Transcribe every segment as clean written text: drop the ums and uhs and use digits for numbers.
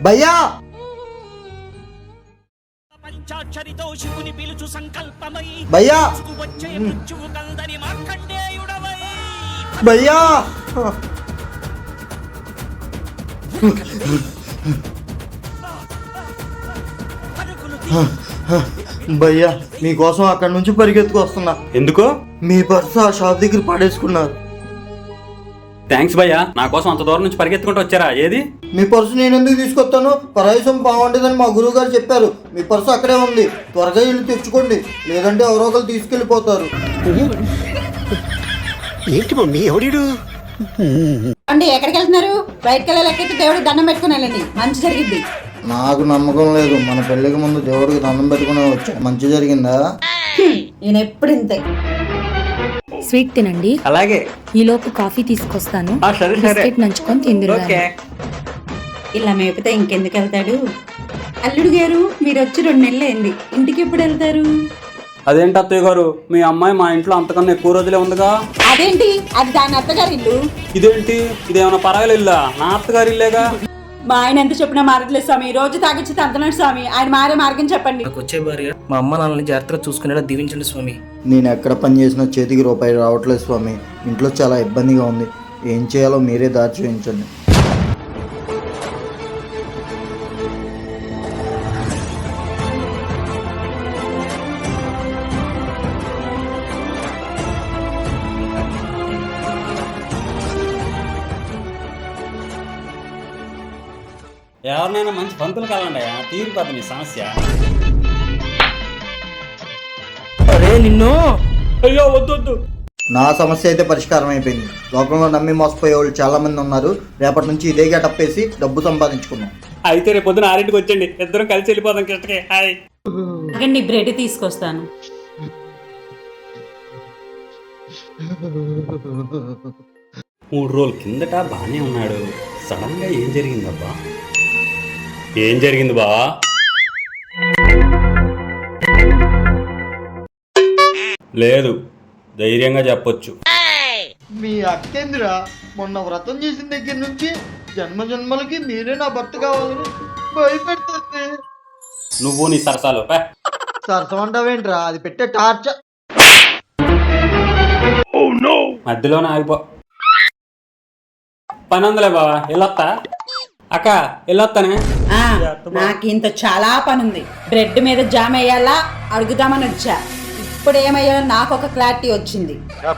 భయ్యా పంచాక్షరితో శివుని పిలుచు సంకల్పమై భయ్యా వచ్చే మృత్యువు కందని మార్కండేయుడవై భయ్యా భయ్యా మీకోసం అక్కడి నుంచి పరిగెత్తుకు వస్తున్నా. ఎందుకు? మీ పర్సు ఆ షాప్ దగ్గర పడేసుకున్నారు. థ్యాంక్స్ భయ్యా, నా కోసం అంత దూరం నుంచి పరిగెత్తుకుంటూ వచ్చారా? ఏది మీ పర్సు నేను ఎందుకు తీసుకొస్తాను? పరాయిసం బాగుంటుందని మా గురువు గారు చెప్పారు. మీ పర్సు అక్కడే ఉంది, త్వరగా ఇల్లు తెచ్చుకోండి, లేదంటే ఎవరో ఒకరు తీసుకెళ్ళిపోతారు. ఏంటి మమ్మీ ఎవడు? అండి ఎక్కడికి వెళ్తున్నారు? బయటకు వెళ్ళలేకైతే దేవుడికి దండం పెట్టుకుని వెళ్ళండి, మంచి జరిగింది. నాకు నమ్మకం లేదు. మన పెళ్లికి ముందు దేవుడికి దండం పెట్టుకుని వచ్చా, మంచి జరిగిందా? నేను ఎప్పుడు ఇంతే. స్వీట్ తినండి. అలాగే. ఈలోపు కాఫీ తీసుకొస్తాను. సరే సరే. బిస్కెట్ నంచుకొని తిందురు. ఇలా మేపితే ఇంకెందుకు వెళ్తాడు? అల్లుడు గారు మీరు వచ్చి 2 నెలలు అయింది, ఇంటికి ఎప్పుడు వెళ్తారు? అదేంటి అత్తయ్య గారు, మీ అమ్మాయి మా ఇంట్లో అంతకన్నా ఎక్కువ రోజులే ఉందిగా. అదేంటి, అది దాని అత్తగారి ఇల్లు. ఇదేంటి, ఇదేమన్నా పరాయిలు ఇల్లా? నా అత్తగారి ఇల్లేగా. మా ఆయన ఎంత చెప్పినా మారట్లేదు స్వామి, రోజు తాగొచ్చి తంతనాడు స్వామి, ఆయన మారే మార్గం చెప్పండి. నాకు వచ్చే భార్య మా అమ్మ నాన్నని జాగ్రత్తగా చూసుకునేలా దీవించండి స్వామి. నేను ఎక్కడ పని చేసినా చేతికి రూపాయి రావట్లేదు స్వామి. ఇంట్లో చాలా ఇబ్బందిగా ఉంది. ఏం చేయాలో మీరే దారి చూపించండి. ఎవరినైనా మంచి పంతులు కాలండి, తీరిపోతుంది మీ సమస్య. అరే నిన్ను. అయ్యో వద్దు. నా సమస్య అయితే పరిష్కారం అయిపోయింది. లోకంలో నమ్మి మోసపోయే వాళ్ళు చాలా మంది ఉన్నారు. రేపటి నుంచి ఇదే గెటప్ వేసి డబ్బు సంపాదించుకున్నాం. అయితే రేపు పొద్దున 6ంటికి వచ్చండి, ఇద్దరం కలిసి వెళ్ళిపోదాం కిష్టకి. హాయ్. నీ బ్రెడ్ తీసుకొస్తాను. మూడు రోజుల కిందట బానే ఉన్నాడు, సడన్ గా ఏం జరిగిందబ్బా? ఏం జరిగింది బా? లేదు, ధైర్యంగా చెప్పొచ్చు. మీ అక్కేంద్ర మొన్న వ్రతం చేసిన దగ్గర నుంచి జన్మ జన్మలకి మీరే నా భర్త కావాలని భయపెడుతుంది. నువ్వు నీ సరసాలు సరసం అంటావేంట్రా? అది పెట్టే టార్చర్. మధ్యలోనే ఆగిపో. పని ఉందిలే బావా, వెళ్ళొత్తా. అక్క వెళ్ళొస్తానే. నాకు ఇంత చాలా పని ఉంది. బ్రెడ్ మీద జామ్ వేయాలా అడుగుదామని వచ్చా. ఇప్పుడు ఏమయ్యా నాకు ఒక క్లారిటీ వచ్చింది.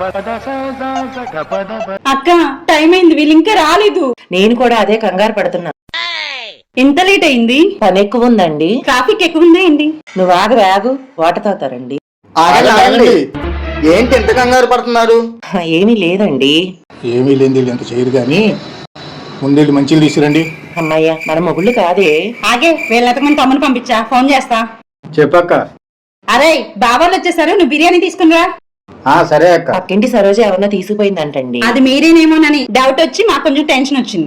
అక్క టైం అయింది, వీళ్ళు ఇంకా రాలేదు. నేను కూడా అదే కంగారు పడుతున్నా. ఎంత లేట్ అయింది? పని ఎక్కువ ఉందండి. ట్రాఫిక్ ఎక్కువ ఉందండి. నువ్వు ఆగు వాటర్ తాగుతారండి. ఆగండి. ఏంటి ఎంత కంగారు పడుతున్నారు? ఏమీ లేదండి. ఏమీ లేని ఎంత చేయరు కానీ ముందెళ్ళి మంచిలు తీసుకురండి. అమ్మయ్య మన మొగుళ్ళు కాదే. ఆగే వీళ్ళెతకమని తమ్ముని పంపించా, ఫోన్ చేస్తా. చెప్పక్క. అరే బాబాలు వచ్చేసారు, నువ్వు బిర్యానీ తీసుకునిరా. సరే అక్క. పక్కింటి సరోజ ఎవరన్నా తీసుకుపోయిందంటండి. అది మీరేనేమోనని డౌట్ వచ్చి మాకు కొంచెం టెన్షన్ వచ్చింది.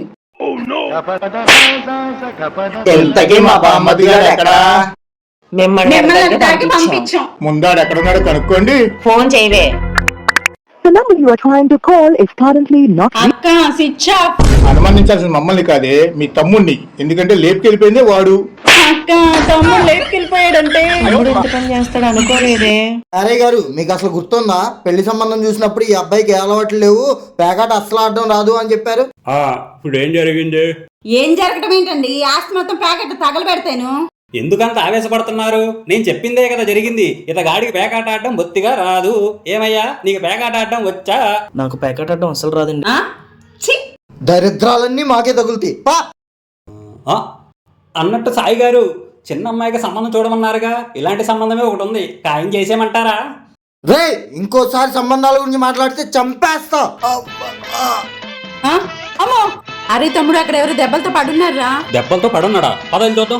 ఎంతకీ మా బామ్మది గారు ఎక్కడా? మిమ్మల్ని పంపించాం. ముందాడు ఎక్కడున్నాడో కనుక్కోండి. ఫోన్ చేయవే. The number you are trying to call is currently not. అక్క స్విచ్ ఆఫ్. అనుమానించాల్సిన మమ్మల్ని కాదే, మీ తమ్ముడిని. ఎందుకంటే లేపుకెళ్ళిపోయిందే వాడు. అక్క తమ్ముడు లేపుకెళ్ళిపోయాడంటే తమ్ముడు ఎంత పని చేస్తాడు అనుకోలేదే. అరే గారు, మీకు అసలు గుర్తుందా? పెళ్లి సంబంధం చూసినప్పుడు ఈ అబ్బాయికి ఏ అలవాట్లు లేవు, పేకాట అస్సలు ఆడడం రాదు అని చెప్పారు. ఇప్పుడు ఏం జరిగింది? ఏం జరగటం ఏంటండి? ఈ ఆస్తి మొత్తం ప్యాకెట్ తగలబెడతాను. ఎందుకంత ఆవేశపడుతున్నారు? నేను చెప్పిందే కదా జరిగింది. ఇతగాడికి పేకాట ఆడడం బొత్తిగా రాదు. ఏమయ్యా, నీకు పేకాట ఆడడం వచ్చా? నాకు ప్యాకెట్ ఆడడం అసలు రాదండి. దరిద్రాలన్నీ మాకే తగులుతాయి. అన్నట్టు సాయి గారు, చిన్న అమ్మాయికి సంబంధం చూడమన్నారుగా, ఇలాంటి సంబంధమే ఒకటి ఉంది, ఖాయం చేసేయమంటారా? రే, ఇంకోసారి సంబంధాల గురించి మాట్లాడితే చంపేస్తా. అమ్మో, అరే తమ్ముడు అక్కడ ఎవరు దెబ్బలతో పడున్నారా? దెబ్బలతో పడున్నాడా? పదని చూద్దాం.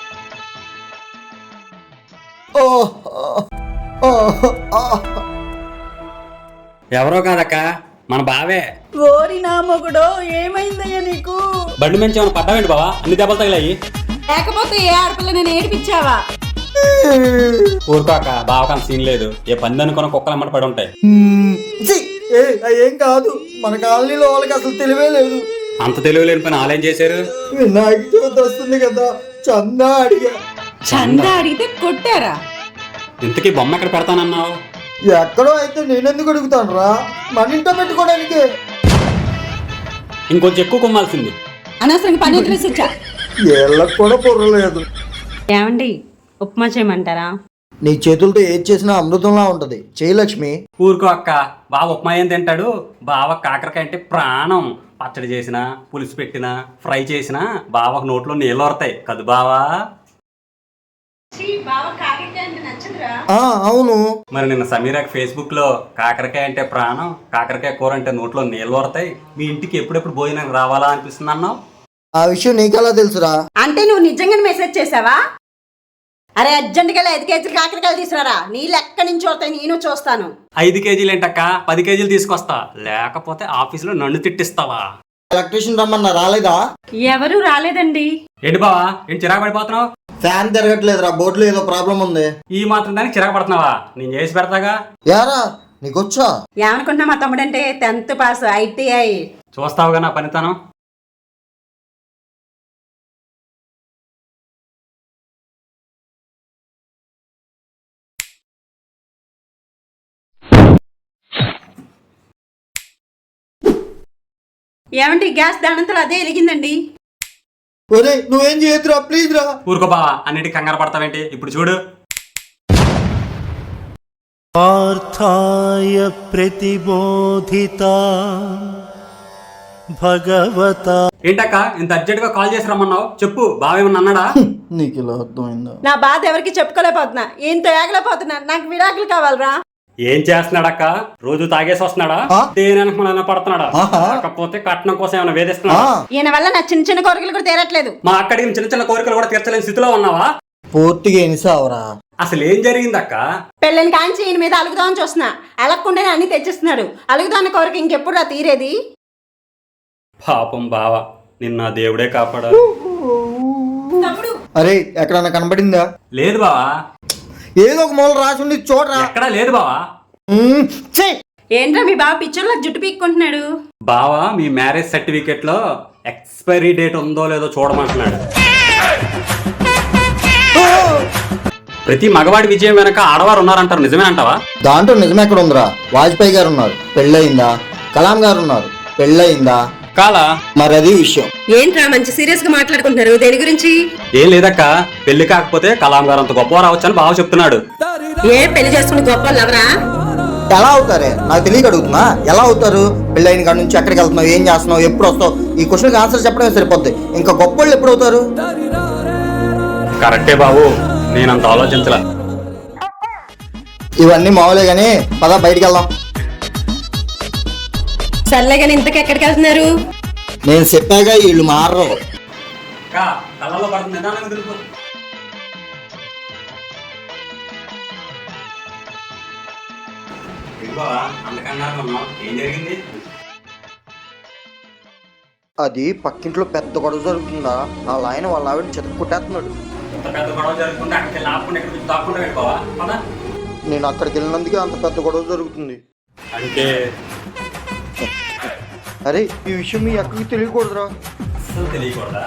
ఎవరో కాదక్క, మన బావే. ఓరి నా మొగుడో, ఏమైందయ్యా నీకు? బండి మంచి ఏమైనా పడ్డావేంటి బావా? అన్ని దెబ్బలు తగిలాయి. లేకపోతే ఏ ఆడపిల్ల నేను ఏడిపించావా? ఊరుకోక, బావకాల సీన్ లేదు. ఏ పంది అనుకున్న కుక్కలు అమ్మట పడి ఉంటాయి. ఏం కాదు, మన కాలనీలో వాళ్ళకి అసలు తెలివే లేదు. అంత తెలివి లేని పని ఆలయం చేశారు. వినాయక చవితి వస్తుంది కదా, చందా అడిగా. చందా అడిగితే కొట్టారా? ఇంతకీ బొమ్మ ఎక్కడ పెడతానన్నావు? ఎక్కడో అయితే నేనెందుకు అడుగుతాను రా, మన ఇంట్లో పెట్టుకోవడానికి. ఇంకొంచెం ఎక్కువ కొమ్మాల్సింది. అనవసరంగా పని వదిలేసి వచ్చా. ఏళ్ళకు కూడా పొర్రలేదు. ఏమండి, ఉప్మా చేయమంటారా? నీ చేతులతో ఏది చేసినా అమృతంలా ఉంటది. చేయి లక్ష్మి. ఊరుకో అక్క, బావ ఉప్మా ఏం తింటాడు? బావ కాకరకాయ అంటే ప్రాణం. పచ్చడి చేసినా, పులుసు పెట్టినా, ఫ్రై చేసినా బావకు నోట్లో నీళ్ళు వరతాయి కదా బావా? అవును. మరి నిన్న సమీరాకి ఫేస్బుక్ లో కాకరకాయ అంటే ప్రాణం, కాకరకాయ కూర అంటే నోట్లో నీళ్ళు వరతాయి, మీ ఇంటికి ఎప్పుడెప్పుడు భోజనం రావాలా అనిపిస్తుంది అన్నావు. ఆ విషయం నీకెలా తెలుసురా? అంటే నువ్వు నిజంగానే మెసేజ్ చేసావా? అరే అర్జెంటుగా 5 కేజీలు కాకరకాయలు తీసుకురారా, నీళ్ళు ఎక్కడి నుంచి వస్తాయి నేను చూస్తాను. 5 కేజీలు ఏంటక్క, 10 కేజీలు తీసుకొస్తా, లేకపోతే ఆఫీసులో నన్ను తిట్టిస్తావా? ఎలక్ట్రీషియన్ రమ్మన్నా రాలేదా? ఎవరు రాలేదండి. ఏంటి బావా, ఏంటి చిరాకు పడిపోతున్నావు? ఫ్యాన్ తిరగట్లేదురా, బోర్డులో ఏదో ప్రాబ్లం ఉంది. ఈ మాత్రం దానికి చిరాకు పడుతున్నావా? నేను చేసి పెడతాగా. యారా నీకొచ్చా? ఏమనుకుంటున్నా మా తమ్ముడంటే 10th పాస్ ITI. చూస్తావుగా నా పనితనం. ఏమండి, గ్యాస్ దానంతలో అదే వెలిగిందండి. ఒరే నువ్వేం చేయొద్దురా, ప్లీజ్ రా. ఊరుకో బావా, అన్నిటికీ కంగారు పడతావేంటి? ఇప్పుడు చూడు. పార్థాయ ప్రతిబోధిత భగవత. ఏంటక్క ఇంత అర్జెంట్ గా కాల్ చేసి రమ్మన్నావు? చెప్పు, బావేమన్నా అన్నాడా? నీకు ఇలా అర్థమైందా? నా బాధ ఎవరికి చెప్పుకోలేకపోతున్నా, ఏంతో ఏగలేకపోతున్నా. నాకు విడాకులు కావాలరా. ఏం చేస్తున్నాడక్క? రోజు తాగేసి వస్తున్నాడా? దేనికి మన పడుతున్నాడా? కాకపోతే కట్నం కోసం ఏమైనా వేధిస్తున్నాడా? ఈయన వల్ల నా చిన్న చిన్న కోరికలు కూడా తీరట్లేదు. మా అక్కడికి చిన్న చిన్న కోరికలు కూడా తీర్చలేని స్థితిలో ఉన్నావా? పూర్తిగా ఎనిసావరా? అసలు ఏం జరిగిందక్క? పెళ్ళని కాంచి ఈయన మీద అలుగుదామని చూస్తున్నా, అలగకుండానే అన్ని తెచ్చిస్తున్నాడు. అలుగుదాన్న కోరిక ఇంకెప్పుడు తీరేది? పాపం బావ, నిన్న దేవుడే కాపాడా. అరే ఎక్కడన్నా కనబడిందా? లేదు బావా. ఏదో ఒక మూల రాసి ఉంది చూడరా. ఎక్కడా లేదు బావా. ఏంట్రా మీ బావ పిక్చర్లో జుట్టు పీక్కుంటున్నాడు? బావా, మీ మ్యారేజ్ సర్టిఫికెట్ లో ఎక్స్పైరీ డేట్ ఉందో లేదో చూడమంటున్నాడు. ప్రతి మగవాడి విజయం వెనక ఆడవారు ఉన్నారంటారు, నిజమే అంటావా? దాంట్లో నిజం ఎక్కడ ఉందిరా? వాజ్పేయి గారు ఉన్నారు, పెళ్ళయిందా? కలాం గారు ఉన్నారు, పెళ్ళయిందా? కాలా? మరి అది విషయం. ఏంట్రా మంచి సీరియస్ గా మాట్లాడుకుంటున్నారు, దేని గురించి? ఏం లేదక్క, పెళ్లి కాకపోతే కలాం గారు అంత గొప్ప రావచ్చని బావ చెప్తున్నాడు. ఏ పెళ్లి చేసుకుని గొప్ప ఎవరా? ఎలా అవుతారే? నాకు తెలియక అడుగుతున్నా. ఎలా అవుతారు? పెళ్ళైన కాడ నుంచి ఎక్కడికి వెళ్తున్నావు, ఏం చేస్తున్నావు, ఎప్పుడు వస్తావు? ఈ క్వశ్చన్కి ఆన్సర్ చెప్పడమే సరిపోద్ది. ఇంకా గొప్ప వాళ్ళు ఎప్పుడు అవుతారు? కరెక్టే బాబు, నేనంత ఆలోచించలా. ఇవన్నీ మామూలే గానీ పద బయటికి వెళ్దాం. సర్లే కానీ ఇంతకు ఎక్కడికి వెళ్తున్నారు? నేను చెప్పాగా వీళ్ళు మారరు. అది పక్కింట్లో పెద్ద గొడవ జరుగుతుందా, వాళ్ళ ఆయన వాళ్ళ ఆవిడ చెత్త పుట్టేస్తున్నాడు. నేను అక్కడికి వెళ్ళినందుకే అంత పెద్ద గొడవ జరుగుతుంది. అంటే అరే ఈ విషయం మీ అక్కడికి తెలియకూడదురా. అసలు తెలియకూడదా?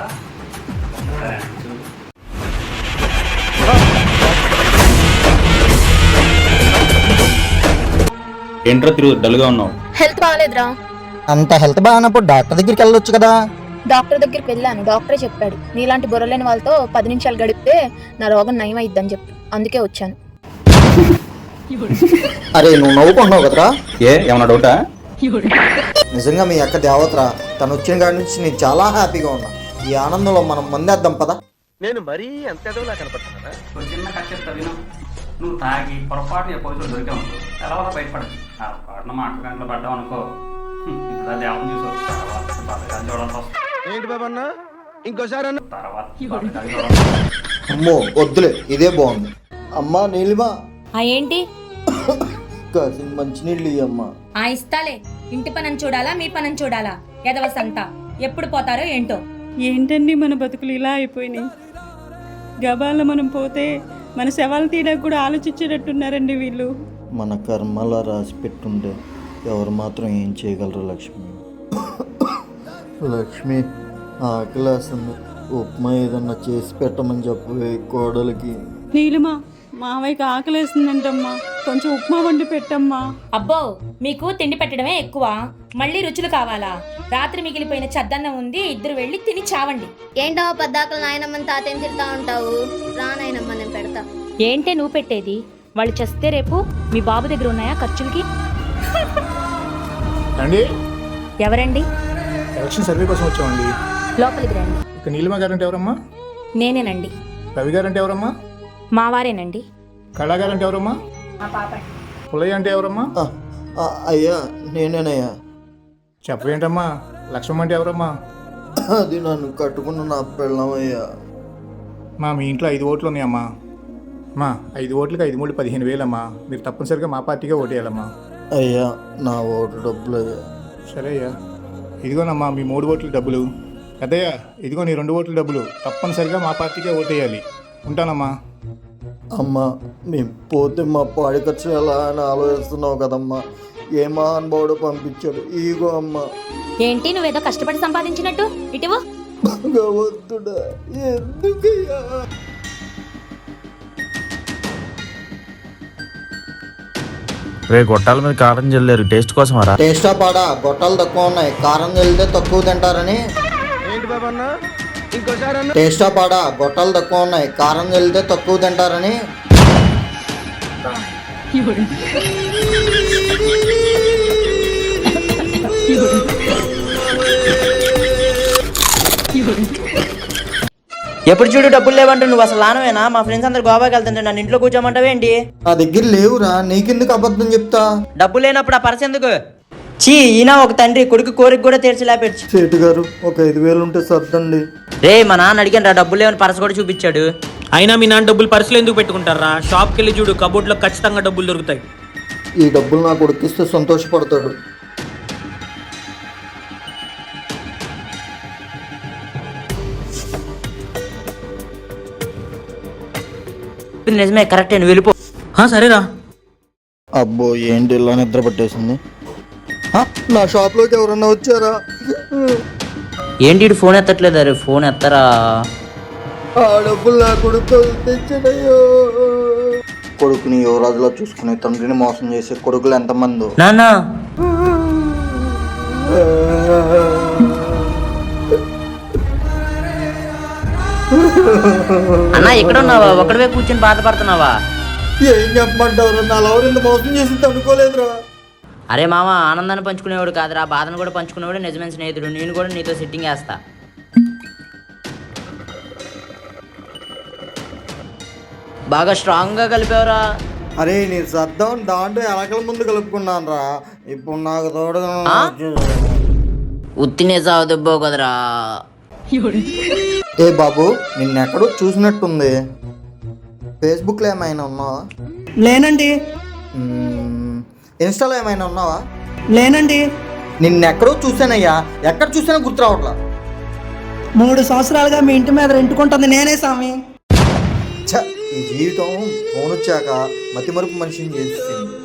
ఏంట్రా తిరుగు డల్గా ఉన్నావు? హెల్త్ బాగాలేదురా. అంత హెల్త్ బాగానప్పుడు డాక్టర్ దగ్గరికి వెళ్ళొచ్చు కదా. డాక్టర్ దగ్గరికి వెళ్ళాను, డాక్టరే చెప్పాడు నీలాంటి బుర్రలేని వాళ్ళతో 10 నిమిషాలు గడిపితే నా రోగం నయం అయిద్దని చెప్పి, అందుకే వచ్చాను. అరే నువ్వు నవ్వుకుంటున్నావు కదరా? ఏమన్నా డౌటా? నిజంగా మీ అక్క దేవతరా. తను వచ్చిన కాడి నుంచి నేను చాలా హ్యాపీగా ఉన్నా. ఈ ఆనందంలో మనం మందేద్దాం పదా. నేను మరీ అంత ఎదవలా కనపడుతున్నానా? చిన్న కచ్చేస్తా విను. నువ్వు తాగి పొరపాటు పోలీసులు దొరికావు, ఎలా బయటపడదు. పొరపాటున మా అక్క గంటలు పడ్డావు అనుకో, ఇప్పుడు దేవం చూసావు, తర్వాత బతకాలు చూడాల్సి వస్తుంది. ఏంటి బాబన్న ఇంకోసారి తర్వాత బతకాలు చూడాల్సి వస్తుంది. అమ్మో వద్దులే, ఇదే బాగుంది. అమ్మా నీలిమా, ఏంటి? కాసిన మంచినీళ్ళు ఇయ్యమ్మా. ఇస్తాలే. ఇంటి పనని చూడాలా, మీ పనని చూడాలా? ఎదవ సంత ఎప్పుడు పోతారో ఏంటో. ఏంటండి మన బతుకులు ఇలా అయిపోయినాయి. గబాల మనం పోతే మన శవాలు తీయడానికి కూడా ఆలోచించేటట్టున్నారండి వీళ్ళు. మన కర్మలా రాసి పెట్టుంటే ఎవరు మాత్రం ఏం చేయగలరు లక్ష్మి. లక్ష్మి ఆకలేస్తుంది, ఉప్మా ఏదన్నా చేసి పెట్టమని చెప్పవే కోడలికి. నీలిమా మావయ్యకి ఆకలేసిందంటమ్మా, కొంచెం ఉప్మా వండి పెట్టమ్మా. అబ్బో మీకు తిండి పెట్టడమే ఎక్కువ, మళ్ళీ రుచులు కావాలా? రాత్రి మిగిలిపోయిన చద్దన్నం ఉంది, ఇద్దరు వెళ్ళి తిని చావండి. ఏంటో పద్దాకలు నాయనమ్మని తాతయ్యని తిడతా ఉంటావు. రా నాయనమ్మ నేను పెడతా. ఏంటే నువ్వు పెట్టేది? వాళ్ళు చేస్తే రేపు మీ బాబు దగ్గర ఉన్నాయా ఖర్చులకి? అండి ఎవరండి? ఎలక్షన్ సర్వే కోసం వచ్చామండి. లోపలికి రండి. ఇక నీలిమ గారంటే ఎవరమ్మా? నేనేనండి. రవి గారంటే ఎవరమ్మా? మా వారేనండి. కళా గారంటే ఎవరమ్మా? మా పాప. పుల్లయ్య అంటే ఎవరమ్మా? అయ్యా నేనేనయ్యా. చెప్పవేంటమ్మా? లక్ష్మమ్మ అంటే ఎవరమ్మా? అది నన్ను కట్టుకున్న నా పెళ్ళమయ్యా. మీ ఇంట్లో 5 ఓట్లు ఉన్నాయమ్మా. 5 ఓట్లకి 5 3 15,000 అమ్మా. మీరు తప్పనిసరిగా మా పార్టీగా ఓటేయాలమ్మా. అయ్యా నా ఓటు డబ్బులు అయ్యా. సరే అయ్యా, ఇదిగోనమ్మా మీ 3 ఓట్ల డబ్బులు. పెద్దయ్య ఇదిగో నీ 2 ఓట్ల డబ్బులు. తప్పనిసరిగా మా పార్టీకే ఓటేయాలి. ఉంటానమ్మా. అమ్మా మేము పోతే మా పాడి ఖర్చు ఎలా అని ఆలోచిస్తున్నావు కదమ్మా. ఏ మహానుభావుడు పంపించాడు. ఈగో అమ్మా. ఏంటి నువ్వేదో కష్టపడి సంపాదించినట్టు ఇటువు. భగవంతుడా ఎందుకయ్యా? రే గొట్టాల మీద కారం చల్లారు, టేస్ట్ కోసం రా. టేస్టా పాడా? గొట్టాలు తక్కువ ఉన్నాయి, కారం చల్లితే తక్కువ తింటారని. ఏంటి బాబా అన్న ఇంకోసారి అన్న. టేస్టా పాడా? గొట్టాలు తక్కువ ఉన్నాయి, కారం చల్లితే తక్కువ తింటారని. ఎప్పుడు చూడు డబ్బులు లేవంటే నువ్వు అసలు లానవేనా? మా ఫ్రెండ్స్ అందరు గోవాకి వెళ్తుంటే నన్ను ఇంట్లో కూర్చోమంటావేంటి? నా దగ్గర లేవురా, నీకెందుకు అబద్ధం చెప్తా? డబ్బు లేనప్పుడు ఆ పర్స్ ఎందుకు? చీ, ఈయన ఒక తండ్రి కొడుకు కోరిక కూడా తీర్చలేపెచ్చు. సేటు గారు ఒక 5,000 ఉంటే సర్దండి. రే మా నాన్న అడిగాను రా, డబ్బులు లేవని పర్స్ కూడా చూపించాడు. అయినా మీ నాన్న డబ్బులు పర్సులు ఎందుకు పెట్టుకుంటారా? షాప్కి వెళ్ళి చూడు, కబోర్డ్లో ఖచ్చితంగా డబ్బులు దొరుకుతాయి. ఈ డబ్బులు నా కొడుకిస్తే సంతోషపడతాడు. నిజమే, కరెక్టే, నువ్వు వెళ్ళిపో. సరేరా. అబ్బో ఏంటి ఇలా నిద్ర పట్టేసింది. నా షాప్లోకి ఎవరన్నా వచ్చారా? ఏంటి ఫోన్ ఎత్తట్లేదు? అరే ఫోన్ ఎత్తరా. ఆ డబ్బులు నా కొడుకు తెచ్చాడయ్యో. కొడుకుని యువరాజులా చూసుకునే తండ్రిని మోసం చేసే కొడుకులు ఎంతమంది? నాన్న అన్నా ఎక్కడ ఉన్నావా? ఒకటివే కూర్చొని బాధపడుతున్నావా? ఏం చెప్పమంటారు, నా లవర్ ఇంత మోసం చేసింది అనుకోలేదురా. అరే మామ, ఆనందాన్ని పంచుకునేవాడు కాదురా, బాధను కూడా పంచుకునేవాడు నిజమైన స్నేహితుడు. నేను కూడా నీతో సిట్టింగ్ వేస్తా. బాగా స్ట్రాంగ్ గా కలిపావురా. అరే నేను సర్దాం దాంట్లో ఎలకల ముందు కలుపుకున్నాను రా. ఇప్పుడు నాకు తోడుగా ఉత్తినే సాగు దెబ్బో కదరా. ఏ బాబు నిన్నెక్కడో చూసినట్టుంది. ఫేస్బుక్లో ఏమైనా ఉన్నావా? లేనండి. ఇన్స్టాలో ఏమైనా ఉన్నావా? లేనండి. నిన్నెక్కడో చూసానయ్యా, ఎక్కడ చూసినా గుర్తు రావట్లా. 3 సంవత్సరాలుగా మీ ఇంటి మీద రెంటుకుంటుంది నేనే స్వామి. ఛ, ఈ జీవితం ఫోన్ వచ్చాక మతిమరుపు మనిషిని చేస్తుంది.